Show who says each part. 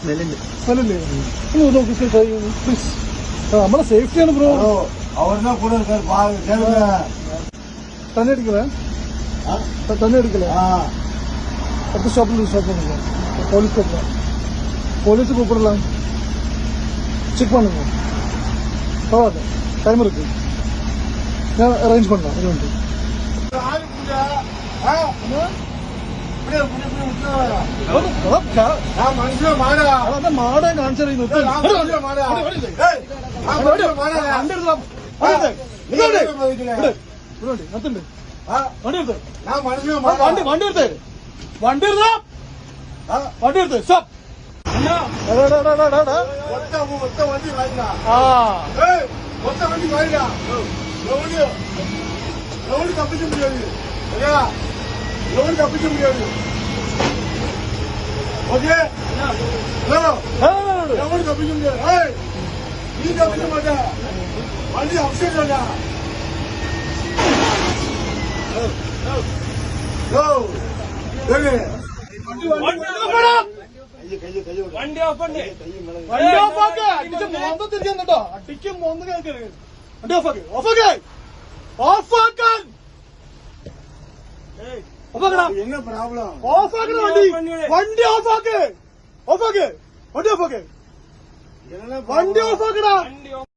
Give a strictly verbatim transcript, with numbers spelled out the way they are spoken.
Speaker 1: സ്മെല്ലുണ്ട്.
Speaker 2: സ്മെല്ലില്ലേ? ഒന്ന് നോക്കി പ്ലീസ്. നമ്മളെ സേഫ്റ്റിയാണ് ബ്രോ.
Speaker 3: അവരുടെ കൂടെ
Speaker 2: തന്നെ എടുക്കലേ തന്നെ എടുക്കലേ அடுத்த ஷாப்ல ஸ்டாப் பண்ணுங்க. போலீஸ் கூப்பிடலாம். போலீஸ் கூப்பிடலாம். செக் பண்ணுங்க. பரவாயில்ல, டைம் இருக்கு. நான் அரேஞ்ச் பண்ணலாம். இது வந்து மாடே காണിച്ചു വണ്ടി വണ്ടി എടുത്തേ വണ്ടി എടുത്താ വണ്ടി എടുത്ത് സ്റ്റോപ്പ്.
Speaker 3: ஒத்த வண்டி வாங்கிடா. ஒத்த வண்டி வாங்கிடா. லோடு தப்பிக்க முடியாது. லோடு தப்பிக்க முடியாது. ஓகே, லோடு தப்பிக்க முடியாது. நீ தப்பிக்க மாட்டா. வண்டி அப்செட் ஆனா
Speaker 2: വണ്ടി ഓഫ് വണ്ടി ഓഫ് ആക്ക്. അടിച്ച് മോന്ത തിരിച്ചോ. അടിക്ക് മോന്ത കേൾക്കരുത്. വണ്ടി ഓഫ് ആക്ക്. ഓഫ് ആക്ക്. ഓഫ് ആക്കാൻ
Speaker 3: என்ன ப்ராப்ளம்?
Speaker 2: ഓഫ് ആക്കണം വണ്ടി. വണ്ടി ഓഫ് ആക്ക്. ഓഫ് ആക്ക്. വണ്ടി ഓഫ് ആക്ക്. വണ്ടി ഓഫ് ആക്കടാ.